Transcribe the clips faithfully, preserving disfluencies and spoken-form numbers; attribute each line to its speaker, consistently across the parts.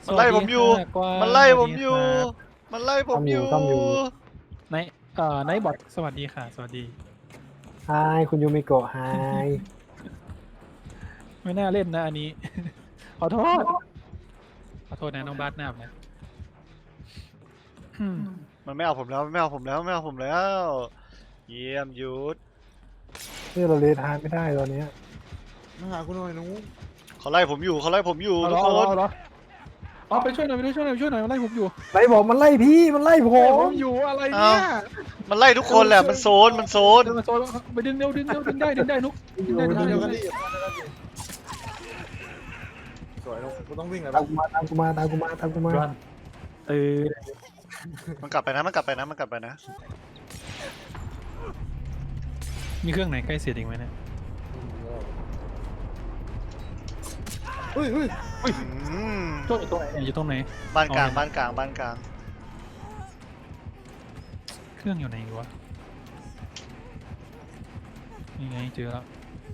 Speaker 1: มันไล่ผมอยู่มันไล่ผมอยู่มันไล่ผมอยู่
Speaker 2: ไนเอ่อไนบอทสวัสดีค่ะสวัสดี
Speaker 3: ไฮคุณยูมิโกะไฮ
Speaker 2: ไม่น่าเล่นนะอันนี้ขอโทษขอโทษนะน้องบาสหน้านะ
Speaker 1: มันไม่เอาผมแล้วไม่เอาผมแล้วไม่เอาผมแล้วเยี่ยมยุทธ
Speaker 3: นี่เราเลทานไม่ได้ตอนนี้
Speaker 4: มาหาคุณหน่อยนุ๊ก
Speaker 1: เขาไล่ผมอยู่เขาไล่ผมอยู่ทุกคน
Speaker 2: อ๋อไปช่วยหน่อยไปช่วยหน่อยไปช่วยหน่อยมันไล่ผมอยู่
Speaker 3: ไล่บอกมันไล่พี่มันไล่ผม
Speaker 2: อยู่อะไรเนี่ย
Speaker 1: มันไล่ทุกคนแหละมันโซนมันโซน
Speaker 2: มันโซนไปดึงเร็วดึงเร็วดึงได้ดึงได้นุ๊กดึงได้ดึงได้ดึงได้
Speaker 4: สวยนุ๊กกูต้องวิ่งเลย
Speaker 3: ตามกูมาตามกูมาตามกูมาตามกูมา
Speaker 2: เออ
Speaker 1: มันกลับไปนะมันกลับไปนะมันกลับไปนะ
Speaker 2: มีเครื่องไหนใกล้เสร็จอีกไหมเนี่ย
Speaker 4: เฮ้ยเฮ้ยเฮ้ย
Speaker 2: ตัวอยู่ตรงไหนอยู่ตรงไหน
Speaker 1: บ้านกลางบ้านกลางบ้านกลาง
Speaker 2: เครื่องอยู่ไหนวะนี่ไงเจอแล้ว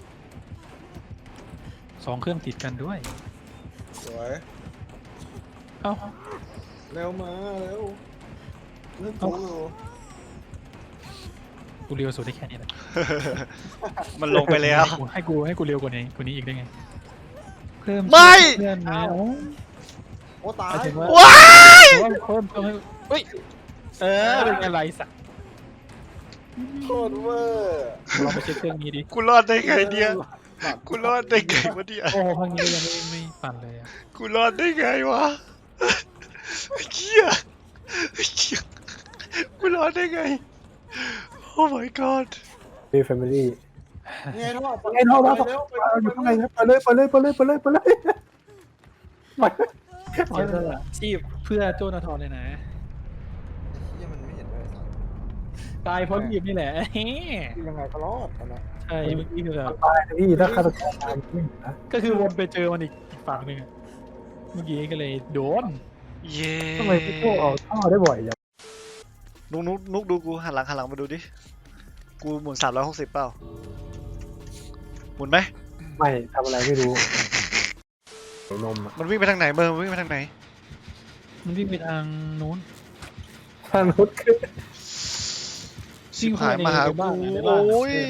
Speaker 2: สองเครื่องติดกันด้วย
Speaker 4: สวย
Speaker 2: เอ้า
Speaker 4: เร็วมาเร็วเร็วกู
Speaker 2: กูเร็วสุดได้แค่นี้แหละ
Speaker 1: มันลงไปแล้ว
Speaker 2: ให้กูให้กูเร็วกว่านี้กว่านี้อีกได้ไงเพิ่ม
Speaker 1: ไม่
Speaker 2: เพื่อนนะ
Speaker 4: โอ้ตาย
Speaker 1: ว้าย
Speaker 2: เพิ่มเพิ่มให้เฮ้ยเออเป็นไงไรสัก
Speaker 4: โคตรเวอร์
Speaker 2: เราไปเช็คเครื่องนี้ดิ
Speaker 1: กูรอดได้ไงเนี่ยกูรอดได้ไงวะเนี่ย
Speaker 2: โอ้โหพังนี้ยังไม่ไม่ปั่นเลยอ่ะ
Speaker 1: กูรอดได้ไงวะเชี่ยเชี่ยกูรอดได้ไงโอ้ my god
Speaker 3: ดีแฟมิลี่
Speaker 4: ไงท่อ
Speaker 3: ไงท่อมาอยู่ข้างในครับไปเลยไปเลยไปเลยไปเลยไปเลยไป
Speaker 2: ชีพเพื่อโจนาธรเลยนะ
Speaker 4: ยังมันไม่เห็นเลย
Speaker 2: ตายเพราะหยิบนี่แหละ
Speaker 4: ยังไงก็รอดนะ
Speaker 2: ใช่เมื่อกี้คือแบบ
Speaker 3: ตายพี่ถ้าฆาตกรตาย
Speaker 2: ก็คือวนไปเจอมันอีกฝั่งหนึ่งเมื่อกี้ก็เลยโดน
Speaker 1: เย้
Speaker 3: ทำไมพี่โก้ออกท่อได้บ่อยอย่าง
Speaker 1: นุ๊กนุ๊กนุ๊กดูกูหันหลังหันหลังมาดูดิกูหมุนสามร้อยหกสิบเปล่าหมุนไหม
Speaker 3: ไม่ทำอะไรไม่รู้นม
Speaker 1: มันวิ่งไปทางไหนเบอร์มันวิ่งไปทางไหน
Speaker 2: มันวิ่งไปทางนู้น
Speaker 3: ทางนู้นคือ
Speaker 1: ชิบหายมาหากูโอ้ย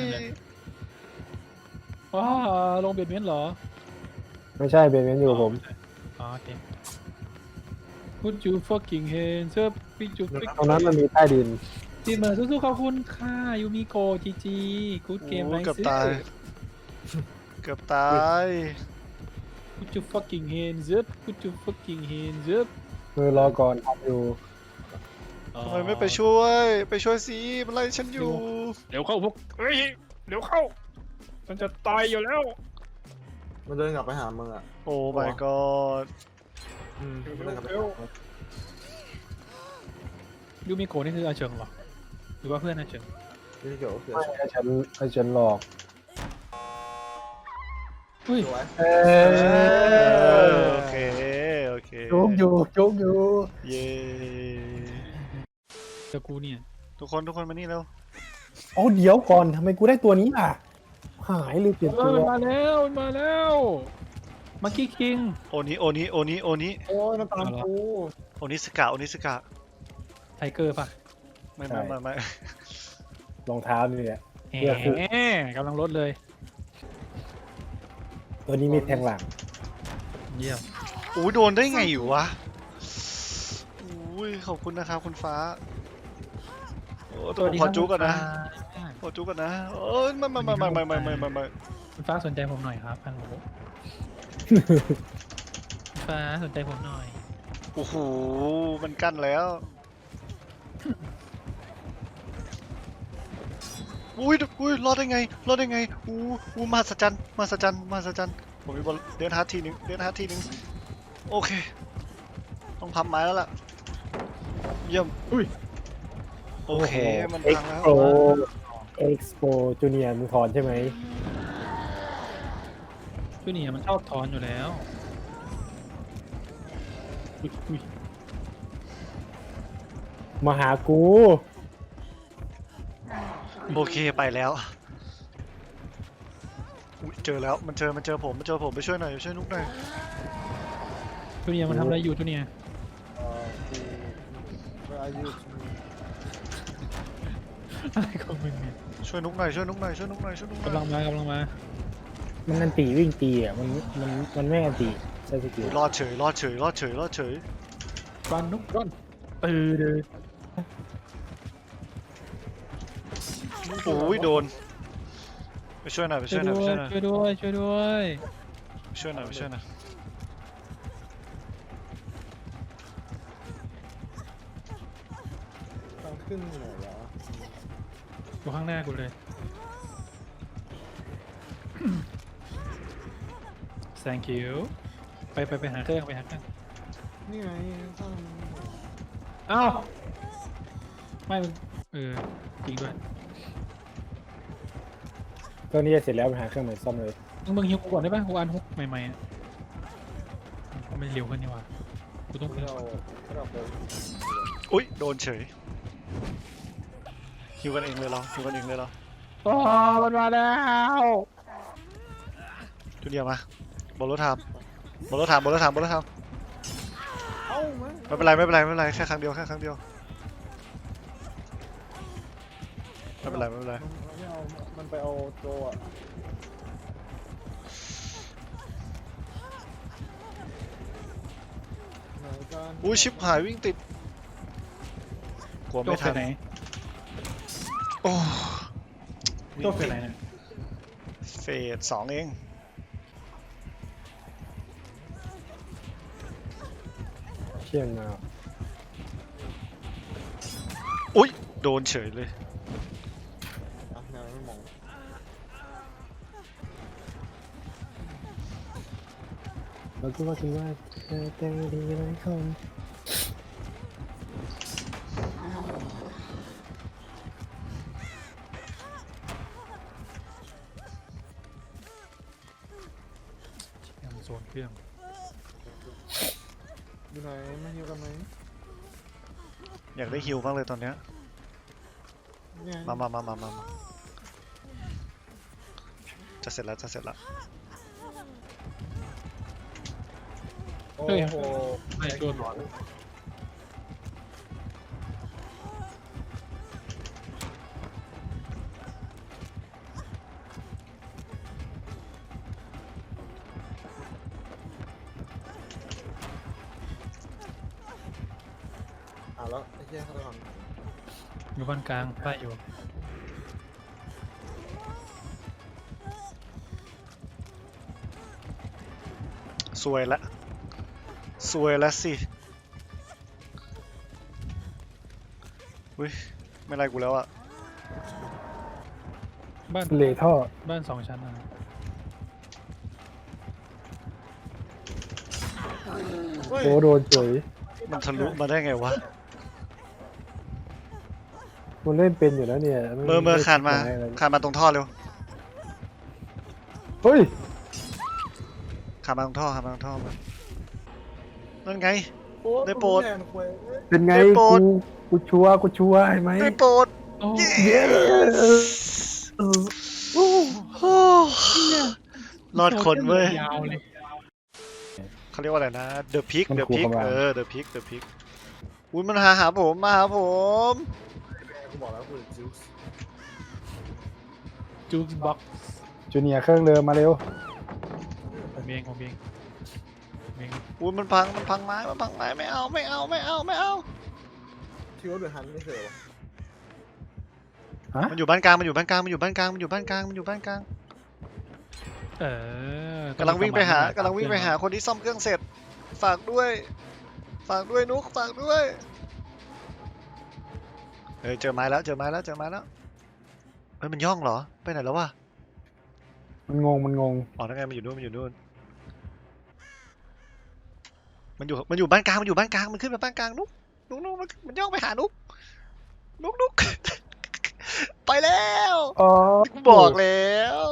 Speaker 2: ว้าลงเบียดเบียนเหรอ
Speaker 3: ไม่ใช่เบนเบนอยู่กับผม
Speaker 2: อ๋อโอเค Put your fucking hands up ปิจุปิ
Speaker 3: ตรงนั้นมันมีใต้ดิน
Speaker 2: ทีมเมอร์สู้ๆขอบคุณค่ะยูมิโกจีจีกูดเกมไรซ์
Speaker 1: เกือบตายเกือบตาย
Speaker 2: Put your fucking hands up Put your fucking hands up
Speaker 3: มือรอก่อนทำอยู่
Speaker 1: ทำไมไม่ไปช่วยไปช่วยสิมันไล่ฉันอยู่
Speaker 2: เดี๋ยวเข้าพวกเฮ้ยเดี๋ยวเข้ามันจะตายอยู่แล้ว
Speaker 4: มันเดินกลับไปหามึงอ่ะ
Speaker 1: โอ้ my god
Speaker 4: อืมเดินกลับไป
Speaker 2: ยูมิโกะนี่คืออาเฉิงเหรอหรือว่าเพื่อนอาเฉิง
Speaker 4: ยูมิโกะคือ
Speaker 3: ไม่ให้ฉันให้ฉันหลอก
Speaker 2: อุ้ย
Speaker 3: เอ
Speaker 1: อโอเคโอเค
Speaker 3: โจ๊กอยู่โจ๊กอยู่
Speaker 1: เย้
Speaker 2: แต่กูเนี่ย
Speaker 1: ทุกคนทุกคนมานี่เร็ว
Speaker 3: อ๋อเดี๋ยวก่อนทำไมกูได้ตัวนี้ล่ะหายเลยเปลี่ยนตัว
Speaker 2: มาแล้วมาแล้วมังกี้คิง
Speaker 1: โอนี้โอนี้โอนี้โอนี้
Speaker 4: โอ้ยมันตามกู
Speaker 1: โอนี้สกาโอนี้สกา
Speaker 2: ไทเกอร์ป่ะ
Speaker 1: ไม่ไม่ไม่ไม่
Speaker 3: รองเท้านี่แหละ
Speaker 2: เฮ้กำลังลดเลย
Speaker 3: ตัวนี้มีแทงหลัง
Speaker 2: เยี่ยม
Speaker 1: โอ้ยโดนได้ไงอยู่วะอุ้ยขอบคุณนะครับคุณฟ้าโอ้ตัวขอจุกก่อนนะขอจุกก่อนนะโอ้ยไม่ไม่ไม่ไม่ไม่ไม่ไม่ไม่
Speaker 2: คุณฟ้าสนใจผมหน่อยครับฮัลโหลคุณฟ้าสนใจผมหน่อย
Speaker 1: โอ้โหมันกั้นแล้วอุ้ยอุ้ยรอดได้ไงรอดได้ไงอู้อู้มาสัจจันมาสัจจันมาสัจจันผมมีบอลเดินฮาร์ดทีนึงเดินฮาร์ดทีนึงโอเคต้องพับไม้แล้วล่ะเยี่ยม
Speaker 2: อุ้ย
Speaker 1: โอเคมันพังแล้ว
Speaker 3: เอ็กซ์โปจูเนียร์มึงถอนใช่ไหม
Speaker 2: จูเนียร์มันชอบถอนอยู่แล้ว
Speaker 3: มาหากู
Speaker 1: โอเคไปแล้วเจอแล้วมันเจอมันเจอผมมันเจอผมไปช่วยหน่อยช่วยนุ๊กหน่อย
Speaker 2: จูเนียร์มันทำอะไรอยู่จูเนียร์
Speaker 4: เอ่อกูไปอายุ
Speaker 2: อะไรของมึงเนี่ย
Speaker 1: ช่วยนุกหน่อยช่วยนุกหน่อยช่วยนุกหน่อยช่วยนุกหน่อย
Speaker 2: กำลังมากำลังมา
Speaker 3: มันอันตีวิ่งตีอ่ะมันมันมันไม่อันตีใช่สกิล
Speaker 1: รอดเฉยรอดเฉยรอดเฉยรอดเฉย
Speaker 2: รันนุกรันเออเดอ
Speaker 1: โอ้ยโดนไปช่วยหน่อยไป
Speaker 2: ช่
Speaker 1: ช่
Speaker 2: ว
Speaker 1: วย ยหน่อยไป
Speaker 2: ด้วย
Speaker 1: ช่วยหน่อย
Speaker 2: ช่วยด้วยช่วยด้วย
Speaker 1: ช่วยหน่อยไปช่วยหน่อย
Speaker 4: ทางขึ้นไหนวะ
Speaker 2: อยู่ข้างหน้ากูเลย thank you ไปไปไปหาเครื่องไปหาเครื่อง
Speaker 4: นี่ไงข้าง
Speaker 2: เอ้าไม่มึงเออจริงด้วย
Speaker 3: เครื่องนี้จะเสร็จแล้วไปหาเครื่องใหม่ซ่อมเลย
Speaker 2: มึงมึงฮิวกูก่อนได้ป่ะกูอันฮุกใหม่ๆอ่ะมันเร็วขึ้นนี่หว่ากูต้อง
Speaker 4: ที่เราที่เราไป
Speaker 1: อุ้ยโดนเฉยฮิวกันเองเลยเหราฮิวกันเองเลยเหรา
Speaker 2: โอ้มันมาแล้ว
Speaker 1: จูเนียร์มาบอลรถทามบอลรถทามบอลรถทามบอลรถทาม
Speaker 4: เอ้ามา
Speaker 1: ไม่เป็นไรไม่เป็นไรไม่เป็นไรแค่ครั้งเดียวแค่ครั้งเดียวไม่เป็นไรไม่เป็นไร
Speaker 4: มันไม่เอามันไปเอาโจอะไหนกัน
Speaker 1: อุ้ยชิบหายวิ่งติดกลัว
Speaker 2: โจ
Speaker 1: ไม่
Speaker 2: ก
Speaker 1: ทั
Speaker 2: ไป
Speaker 1: น
Speaker 2: ไหน
Speaker 1: โอ้
Speaker 2: โจกไปไหนเนี่ย
Speaker 1: เฟสสองเอง
Speaker 3: เชี่ยนมา
Speaker 1: อุ้ยโดนเฉยเลย
Speaker 4: อ่ะแนวไม่มอง
Speaker 3: เราคิดว่าคิดว่าเธอเต็มดีหลายคน
Speaker 2: ยังโซนเครื่อง
Speaker 4: อยู่ไหนมาฮิวกันไหม
Speaker 1: อยากได้ฮิวบ้างเลยตอนเนี้ย
Speaker 4: เนี่ย
Speaker 1: มามามามามามาจะเสร็จแล้วจะเสร็จแล้ว
Speaker 4: โอ้
Speaker 2: เฮ้ย
Speaker 4: โห
Speaker 2: ไม่โดนหลอน
Speaker 4: อ่ะแล้วไอ้เหี้ยเขาทำ
Speaker 2: อยู่บ้านกลางไล่อยู่
Speaker 1: สวยละสวยละสิอุ้ยไม่ไรกูแล้วอะ
Speaker 2: บ้าน
Speaker 3: เลท่อ
Speaker 2: บ้านสองชั้นนะ
Speaker 4: เฮ้ย
Speaker 3: โอ้โดนเฉย
Speaker 1: มันทะลุมาได้ไงวะ
Speaker 3: มันเล่นเป็นอยู่แล้วเนี่ย
Speaker 1: เมื่อเมื่อคานมา
Speaker 3: ไอะไร
Speaker 1: คานมาตรงท่อเร็ว
Speaker 3: เฮ้ย
Speaker 1: คานมาตรงท่อคานมาตรงท่อมานั่นไง
Speaker 4: โอ้
Speaker 1: ได้โปรด
Speaker 4: แทนควย
Speaker 3: เป็นไง
Speaker 1: ได้โปร
Speaker 3: กู
Speaker 1: ด
Speaker 3: กูชัวร์กูชัวร์เห็นไหม
Speaker 1: ได้โปรด
Speaker 2: โอ้
Speaker 1: เย้
Speaker 3: โอ้
Speaker 1: โอ้รอดคนเว้ย
Speaker 2: ยาวเลย
Speaker 1: เขาเรียกว่าอะไรนะ The Pick The Pick เออ The Pick The Pick อุ้ยมันหาหาผมมาหาผม
Speaker 4: กูบอกแล้วกูจิวส์
Speaker 2: จูสบ็อก
Speaker 3: จูเนียร์เครื่องเรือมาเร็ว
Speaker 2: ผมเองผมเองผมเอง
Speaker 1: อุ้ยมันพังมันพังไม้มันพังไม้ไม่เอาไม่เอาไม่เอาไม่เอา
Speaker 4: ที่ว่าเดือดฮันไม่เคยวะ
Speaker 3: ฮะ
Speaker 1: มันอยู่บ้านกลางมันอยู่บ้านกลางมันอยู่บ้านกลางมันอยู่บ้านกลางมันอยู่บ้านกลาง
Speaker 2: เออก
Speaker 1: ำลังวิ่งไปหากำลังวิ่งไปหาคนที่ซ่อมเครื่องเสร็จ ฝากด้วย ฝากด้วยนุกฝากด้วยเฮ้ยเจอไม้แล้วเจอไม้แล้วเจอไม้แล้วเฮ้ยมันย่องเหรอไปไหนแล้ววะ
Speaker 3: มันงงมันงง
Speaker 1: อ๋อนั่นไงมันอยู่นู่นมันอยู่นู่นมันอยู่มันอยู่บ้านกลางมันอยู่บ้านกลางมันขึ้นมาบ้านกลางนุกนุกนุกมันมันย่องไปหานุกนุกนุก ไปแล้ว
Speaker 3: อ๋อ
Speaker 1: กูบอกแล้ว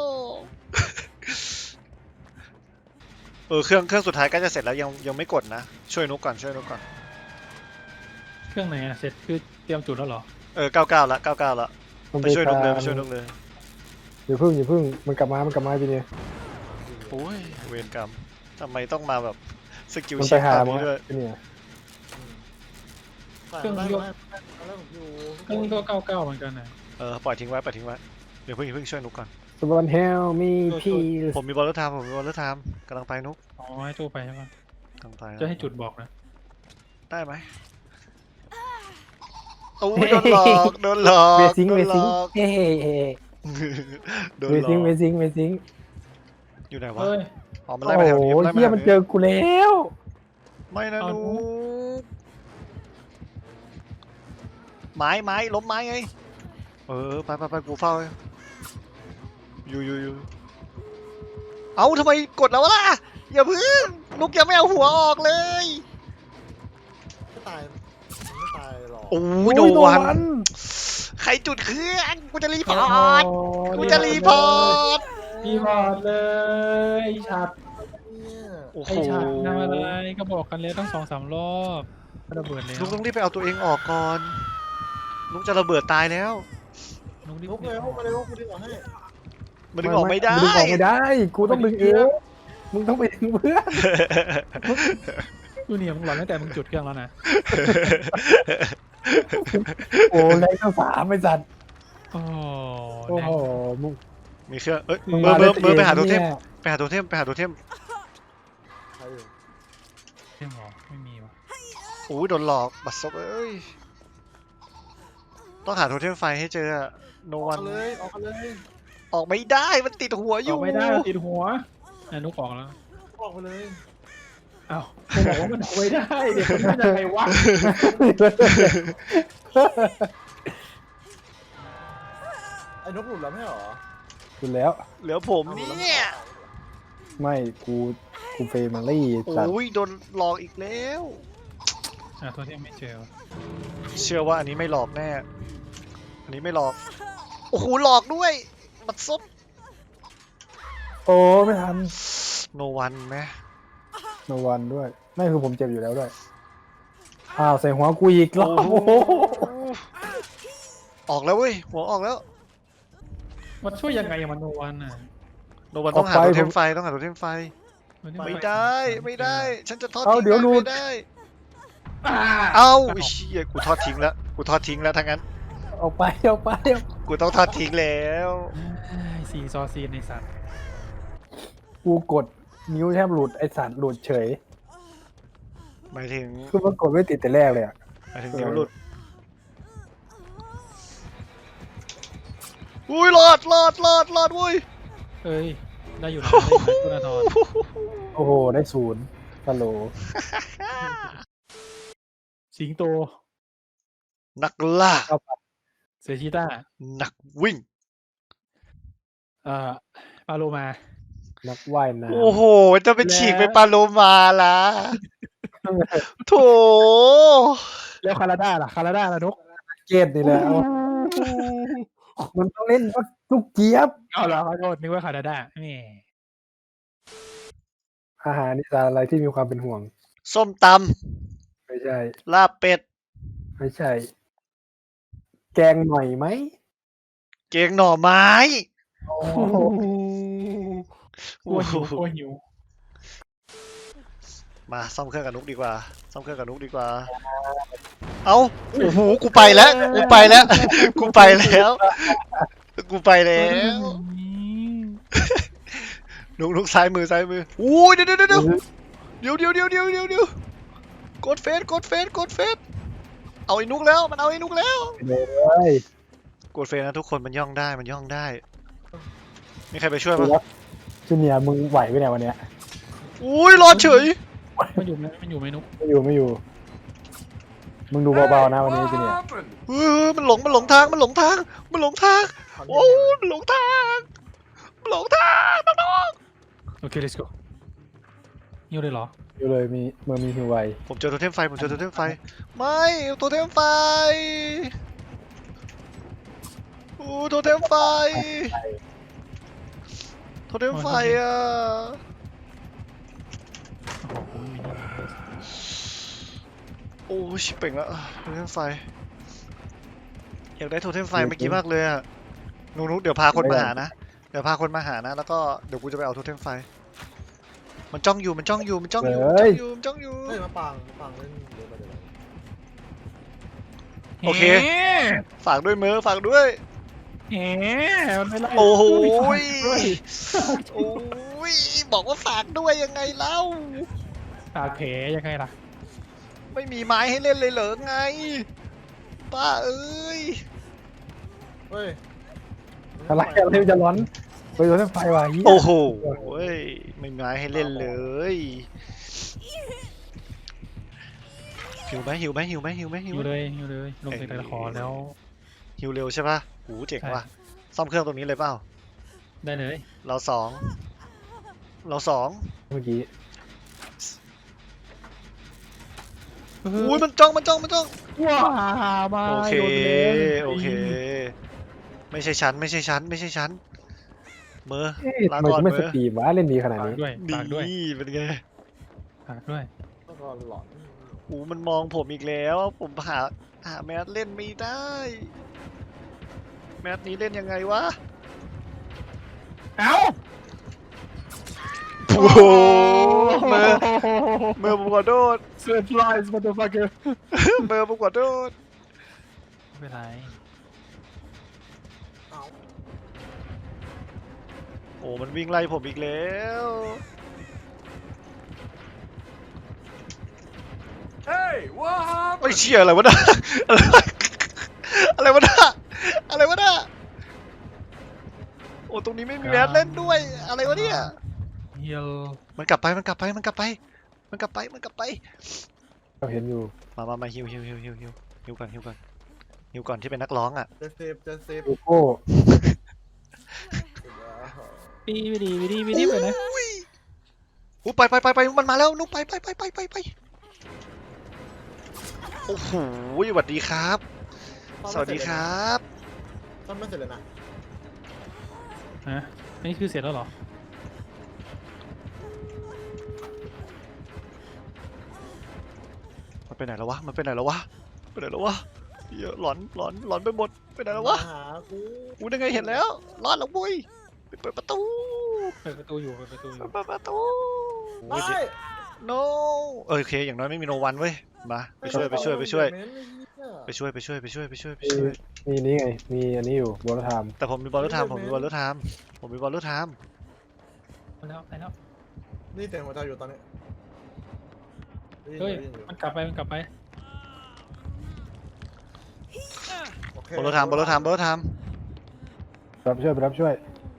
Speaker 1: เออเครื่องเครื่องสุดท้ายใกล้จะเสร็จแล้วยังยังไม่กดนะช่วยนุกก่อนช่วยนุกก่อน
Speaker 2: เครื่องไหนอะเสร็จคือเตรียมจุดแล้วเหรอ
Speaker 1: เออเก้าเก้าละเก้าเก้าละ
Speaker 3: มัน
Speaker 1: ไปช่วยนุกเลยไปช่วยนุกเลย
Speaker 3: อย่าพึ่งอย่าพึ่งมันกลับมามันกลับมาจีเนี่ย
Speaker 1: โอ้ยเวรกรรมทำไมต้องมาแบบสกิล
Speaker 3: มัน
Speaker 1: เช็
Speaker 3: ไป
Speaker 1: ค
Speaker 3: หา
Speaker 1: ตาม
Speaker 3: มั้
Speaker 1: นี้
Speaker 3: ง
Speaker 1: ด้วย
Speaker 3: เนี่ย
Speaker 4: เครื่องยกแล้วผมอยู่
Speaker 2: เครื่องก็เก้าเก้าเหมือนกันนะ
Speaker 1: เออปล่อยทิ้งไว้ปล่อยทิ้งไว้เดี๋ยวเพิ่งเพิ่งช่วยนุกก่อน
Speaker 3: สวอนเฮลมีพี่
Speaker 1: ผมมีบอลลูนไทม์ผมมีบอลลูนไทม์กำลังไปนุก
Speaker 2: อ๋อให้ตู้ไปใช่ปะ
Speaker 1: กำลังไป
Speaker 2: จะให้จุดบอกนะ
Speaker 1: ได้ไหมโอ้ยโดนหลอกโดนหลอก
Speaker 3: เวซิง
Speaker 1: โด
Speaker 3: เวน
Speaker 1: หล
Speaker 3: ซิง
Speaker 1: อก
Speaker 3: เฮ้เฮ้
Speaker 1: โดน
Speaker 3: เว
Speaker 1: หล
Speaker 3: ซิง
Speaker 1: อก
Speaker 3: เวซิงเวซิง
Speaker 1: อยู่ไหนวะ
Speaker 2: เฮ้ย
Speaker 1: อ๋อมัน
Speaker 3: โอ้
Speaker 1: ไล่มาแถว
Speaker 3: โห
Speaker 1: นี้มันไล่มา
Speaker 3: เฮีย
Speaker 1: แถว
Speaker 3: มัน
Speaker 1: นี้
Speaker 3: เจอกูแล้ว
Speaker 1: ไม่นะ
Speaker 2: เอา
Speaker 1: นุกไม้ไม้ล้มไม้ไงเออไปไปไปกูเฝ้าอยู่อยู่อยู่เอาทำไมกดแล้วล่ะอย่าเพึ่งนุกยังไม่เอาหัวออกเลย
Speaker 4: ไม่ตายไม่ตายหรอก
Speaker 1: โอ้
Speaker 3: โอ้
Speaker 1: ย
Speaker 3: ย
Speaker 1: โด
Speaker 3: โด
Speaker 1: น
Speaker 3: นมัน
Speaker 1: ใครจุดเครื่องกูจะรีพ
Speaker 2: โอ้
Speaker 1: อ
Speaker 2: โห
Speaker 1: ร์ตกูจะรีพอร์ต
Speaker 2: รีพอร์ตเลยไอ้ฉัด
Speaker 4: เนี่ย
Speaker 1: โอ้โห
Speaker 2: ไอ้ฉัดทำอะไรก็บอกกันแล้วตั้งสองสามรอบก็ระเบิดแล้ว
Speaker 1: นุกต้องรีบไปเอาตัวเองออกก่อนนุกจะระเบิดตายแล้ว
Speaker 2: นุกรีบ
Speaker 4: ลุกเร็วมาเร็วกูดึงออกให้
Speaker 1: มันดึงออกไม่ได้
Speaker 3: นดึงออกไม่ได้ กูต้องดึงเองมึงต้องไปดึงเพื่อน
Speaker 2: ดูเนี่ยมึงหลอนตั้งแต่มึงจุดเครื่องแล้วนะ
Speaker 3: โอ้แรงตั้งสามไอ้สัตว์
Speaker 2: โอ้
Speaker 3: โอ้โหมึง
Speaker 1: มีเครื่องเอ้ย
Speaker 3: มึง
Speaker 1: เบอ
Speaker 3: มา
Speaker 1: ร์เบอร์เบอร์ไปหาโทเทม
Speaker 3: เนี่ย
Speaker 1: ไปหาโทเทมไปหาโทเทม
Speaker 4: ใครอยู่
Speaker 2: เท่งหรอไม่มีวะ
Speaker 1: โอ้ยโดนหลอกบัตรซบเอ้ยต้องหาโทเทมไฟให้เจอโน
Speaker 4: ออ
Speaker 1: วั
Speaker 4: ก
Speaker 1: น
Speaker 4: มาเลยออกมาเลย
Speaker 1: ออกไม่ได้มันติดหัวอ
Speaker 2: อยู่ อกไม่ได้ติดหัวอ่ะนุกออกแล้ว
Speaker 4: ออกมาเลย
Speaker 2: อ้าวผมบอกว่ามันออกไม่ได้เดี๋ยวมันจะไงวะ
Speaker 4: ไอ้นกหลุดแล้วไม่หรอ
Speaker 3: คุณแล้ว
Speaker 1: เหลือผมเนี่ย
Speaker 3: ไม่กูกูเฟรมารี่สัตว์
Speaker 1: โอ้ยโดนหลอกอีกแล้ว
Speaker 2: อ่ะตัวที่ไม่เจอวะ
Speaker 1: เชื่อว่าอันนี้ไม่หลอกแน่อันนี้ไม่หลอกโอ้โหหลอกด้วยบัตรซบ
Speaker 3: โอ้ไม่ทัน
Speaker 1: โนวันไหม
Speaker 3: โนวันด้วยไม่คือผมเจ็บอยู่แล้วด้วยอ้าวใส่หัวกูอีกรอบ
Speaker 1: โอ้
Speaker 3: โอ้
Speaker 1: โห
Speaker 3: โห
Speaker 1: ออกแล้วเว้ยหัวออกแล้ว
Speaker 2: มันช่วยยังไงอะมันโนวันอ่ะ
Speaker 1: โนวันต้องหาโทเทมไฟต้องหาโทเทมไฟ
Speaker 2: น
Speaker 1: ไม่ได้ไม่ได้ ฉันจะทอด
Speaker 3: เอา
Speaker 1: ทิ้ง
Speaker 3: เดี๋ยว
Speaker 1: ได้
Speaker 3: หลุด
Speaker 1: ไม่ได้
Speaker 2: อ่า
Speaker 1: เอ้าไอ้เชี่ยกูทอดทิ้งแล้วกูทอดทิ้งแล้วทั้งนั้น
Speaker 3: เอาไปเอาไป
Speaker 1: กูต้องทอดทิ้งแล้ว
Speaker 2: สี่ซอซีนในสัตว์
Speaker 3: กูกดนิ้วแทบหลุดไอสัตว์หลุดเฉย
Speaker 1: หมายถึง
Speaker 3: คือมันกดไม่ติดแต่แรกเลยอ่ะ
Speaker 1: หมายถึงนิ้วหลุดอุ้ยรอดรอดรอดรอดวุ้ย
Speaker 2: เอ้ยได้อยู่นะได้อยู่นะคุณอาทร
Speaker 3: โอ้โหได้ศูนย์ฮัลโหล
Speaker 2: สิงโต
Speaker 1: นักล่า
Speaker 2: เซชิต้า
Speaker 1: นักวิ่ง
Speaker 2: เอ่อปาโลมา
Speaker 3: นักว่ายน้ำ
Speaker 1: โอ้โหจะไปฉีกไปปาโลมาละโถ
Speaker 2: แล้วคาราด้าล่ะคาราด้าล่ะนก
Speaker 3: เกตนี่แหละเอามันต้องเล่นว่าลูกเจี๊ยบ
Speaker 2: เอาเหรอขอโทษนึกว่าคาราด้าแหม
Speaker 3: อาหารนี่สารอะไรที่มีความเป็นห่วง
Speaker 1: ส้มต
Speaker 3: ไม่ใช่
Speaker 1: ำลาบเป็ด
Speaker 3: ไม่ใช่ แกงหน่อยไหม
Speaker 1: เกงหน่อไม้
Speaker 3: โอ้
Speaker 2: กลัวหิวกลัวหิว
Speaker 1: มาซ่อมเครื่องกับนุกดีกว่าซ่อมเครื่องกับนุกดีกว่า เอาโอ้โหกูไปแล้วกูไปแล้วกูไปแล้วกูไปแล้วนุกนุกซ้ายมือซ้ายมืออู้ยเดี๋ยวเดี๋ยวเดี๋ยวเดี๋ยวเดี๋ยวเดี๋ยวเดี๋ยวเดี๋ยวเดี๋ยวกดเฟสกดเฟสกดเฟสเอาไอ้นุกแล้วมันเอาไอ้นุกแล้ว
Speaker 3: เลย
Speaker 1: กดเฟสนะทุกคนมันย่องได้มันย่องได้มีใครไปช่วยปะ
Speaker 3: จูเนียร์มึงไหวไหมเนี่ยวันเนี้ย
Speaker 1: อุ้ยรอดเฉย
Speaker 2: มันอยู่ไหมมันอยู่ไหมนุก
Speaker 3: ไม่อยู่ไม่อยู่ มึงดูเบาๆนะวันนี้จูเนียร์
Speaker 1: เออมันหลงมันหลงทางมันหลงทางมันหลงทางโอ้ยมันหลงทางมันหลงทางน้อง
Speaker 2: โอเค let's go ยิวเลยเหรอ
Speaker 3: อยู่เลยมีเมื่อมีหิวไว
Speaker 1: ๆผมเจอโทเทมไฟผมเจอโทเทมไฟไม่โทเทมไฟโอ้โทเทมไฟโทเทมไฟอ่ะ
Speaker 2: โอ้โหมีนี่
Speaker 1: โอ้ชิบเป่งละโทเทมไฟอยากได้โทเทมไฟเมื่อกี้มากเลยอ่ะนุ๊กๆเดี๋ยวพาคนมาหานะเดี๋ยวพาคนมาหานะแล้วก็เดี๋ยวกูจะไปเอาโทเทมไฟมันจ้องอยู่มันจ้องอยู่มันจ้องอยู่
Speaker 3: เฮ้
Speaker 1: มันจ้อง
Speaker 3: ย
Speaker 1: อยู่มันจ้องอยู่
Speaker 4: เฮ้ยมาปังมาปังเล่นเดี๋ยวไปเดี๋ยวไป
Speaker 1: โอเค ฝากด้วยเมอฝากด้วย
Speaker 2: แหมมันไม่ไล่
Speaker 1: โอ้โห
Speaker 2: ด้วย
Speaker 1: โอ้ยบอกว่าฝากด้วยยังไงเล่า
Speaker 2: ปากแผลยังไงล่ะ
Speaker 1: ไม่มีไม้ให้เล่นเลยเหรอไงป้าเอ้ย
Speaker 4: เฮ้ย
Speaker 3: อะไรอะไรมันจะร้อนไปโดนเส้นไฟว่ะเหี้ย
Speaker 1: โอ้โหเว้ยไม่มีไม้ให้เล่นเลยหิวไหมหิวไหมหิวไหมหิวไหมหิ
Speaker 2: หิ
Speaker 1: ว
Speaker 2: ว
Speaker 1: ไหม
Speaker 2: เลยหิวเลยลงจากตะขอแล้ว
Speaker 1: หิวเร็วใช่ปะโอ้เจ๋ง
Speaker 2: ใช่
Speaker 1: ว่ะซ่อมเครื่องตรงนี้เลยเปล่า
Speaker 2: ได้เลย
Speaker 1: เราสองเราสอง
Speaker 3: เมื่อกี้
Speaker 1: อุ้ยมันจ้องมันจ้องมันจ้อง
Speaker 2: ว้ามา
Speaker 1: โอเค
Speaker 2: โดนเลย
Speaker 1: โอเค ไม่ใช่ชั้นไม่ใช่ชั้นไม่ใช่ชั้นเมอ
Speaker 3: เอ๊ะ
Speaker 1: ลา
Speaker 3: ทำไม
Speaker 1: ก่อน
Speaker 3: กูไม่
Speaker 1: เม
Speaker 3: ส
Speaker 1: อ
Speaker 3: ตรีมวะเล่นดีขนาด
Speaker 2: ฝาก
Speaker 3: นี้
Speaker 2: ด้วยฝากด้วย
Speaker 1: นี่เป็นไง
Speaker 2: ฝากด้วย
Speaker 4: แล้วก็หลอน
Speaker 1: โอ้มันมองผมอีกแล้วผมหาหาแมสเล่นไม่ได้ แมสนี้เล่นยังไงวะ
Speaker 2: เอ้า
Speaker 1: โอ้โหเมอเมอผมขอโทษ
Speaker 2: เซอร์ไพรส์มาตัวฟักเกอร์
Speaker 1: เมอผมขอโทษ
Speaker 2: ไม่เป็นไร
Speaker 4: เอ้า
Speaker 1: โอ้มันวิ่งไล่ผมอีกแล้ว
Speaker 4: เฮ้ยว้าว
Speaker 1: ไอ้ยเชี่ยอะไรวะน่ะอะไรวะน่ะอะไรวะน่ะโอ้ตรงนี้ไม่มีแมสเล่นด้วยอะไรวะเนี่ย
Speaker 2: เฮียล
Speaker 1: มันกลับไปมันกลับไปมันกลับไปมันกลับไปมันกลับไป
Speaker 3: เราเห็นอยู่
Speaker 1: มามามาฮิวฮิวฮิวฮิวฮิวฮิวก่อนฮิวก่อนฮิวก่อนที่เป็นนักร้องอ่ะ
Speaker 4: จะเซฟจะเซฟ
Speaker 3: โกโก้
Speaker 2: ปีวิดีวิดีวิดีไปไหน
Speaker 1: อุ้ยอู้ไปไปไปไปมันมาแล้วนุ๊กไปไปไปไปไปไปโอ้โหสวัสดีครับ สวัสดีครับ
Speaker 4: ซ่อมไม่เสร็จเลยนะ
Speaker 2: ฮะอันนี้คือเสร็จแล้วเหรอ
Speaker 1: มันไปไหนแล้ววะมันไปไหนแล้ววะไปไหนแล้ววะเยอะหลอนหลอนหลอนไปหมดไปไหนแล้ววะ
Speaker 4: มาหากู
Speaker 1: อู้ได้ไงเห็นแล้วรอดแล้วบุ้ยไปเปิดประตู
Speaker 2: เปิดประตูอยู่เปิดประตูอยู่
Speaker 1: เปิดประตู
Speaker 4: ไป
Speaker 1: no เออโอเคอย่างน้อยไม่มีโนวันเว้ยมาไปช่วยไปช่วยไปช่วยไปช่วยไปช่วยไปช่วยไปช่วยไป
Speaker 3: มี
Speaker 1: ช่วย
Speaker 3: มีนี่ไงมีอันนี้อยู่บอลไทม์
Speaker 1: แต่ผมมีบอลลูนไทม์ผมมีบอลลูนไทม์ผมมีบอลลูนไทม์
Speaker 2: ไปแล้วไปแล้ว
Speaker 4: นี่เสียงหัวใจอยู่ตอนนี้ได้น
Speaker 2: เฮ้ย
Speaker 4: ได้นอ
Speaker 2: มันกลับไปมันกลับไป
Speaker 4: โอเค
Speaker 1: บอลลูนไทม์บอลลูนไทม์บอลลูนไทม์
Speaker 3: รับช่วยไปรับช่วย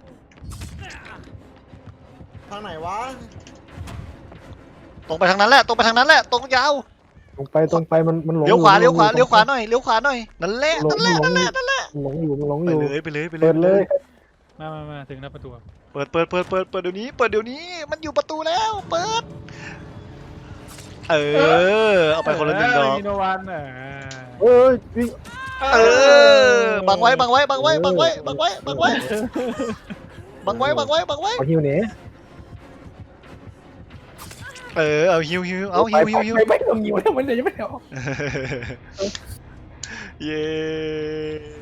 Speaker 4: ทางไหนวะ
Speaker 1: ตรงไปทางนั้นแหละตรงไปทางนั้นแหละตรงยาว
Speaker 3: ตรงไปตรงไปมันมันหลง
Speaker 1: เลี้ยวขวา
Speaker 3: อ
Speaker 1: เลี้ยวขวา
Speaker 3: มันหลง
Speaker 1: เลี้ยวขวาหน่อยเลี้ยวขวาหน่อยนั่นแหละ
Speaker 3: หล
Speaker 1: นั่
Speaker 3: ง
Speaker 1: นแหละ
Speaker 3: หล
Speaker 1: นั่
Speaker 3: ง
Speaker 1: นแหละนั่นแหละ
Speaker 3: มันหลงอยู่มันหลง
Speaker 1: ไป
Speaker 3: อยู่
Speaker 1: เลยไปเลยไปเลย
Speaker 3: เปิดเลย
Speaker 2: มามามาถึงหน้าประตู
Speaker 1: เปิดเปิดเปิดเปิดเปิดเดี๋ยวนี้เปิดเดี๋ยวนี้มันอยู่ประตูแล้วเปิดเออเอาไปคนละหนึ่งดอก
Speaker 2: มีโนวันอ่ะ
Speaker 3: เอ้ยวิ่ง
Speaker 1: เออบังไว้บังไว้บังไว้บังไว้บังไว้บังไว้บังไว้บังไว้บังไว้
Speaker 3: เอาฮิวเนี้
Speaker 1: เออเอาฮิวฮิวเอาฮิวฮิวฮิว
Speaker 3: ไปไปต้องฮิวแล้วมันเลยยังไม่เอา
Speaker 1: เย้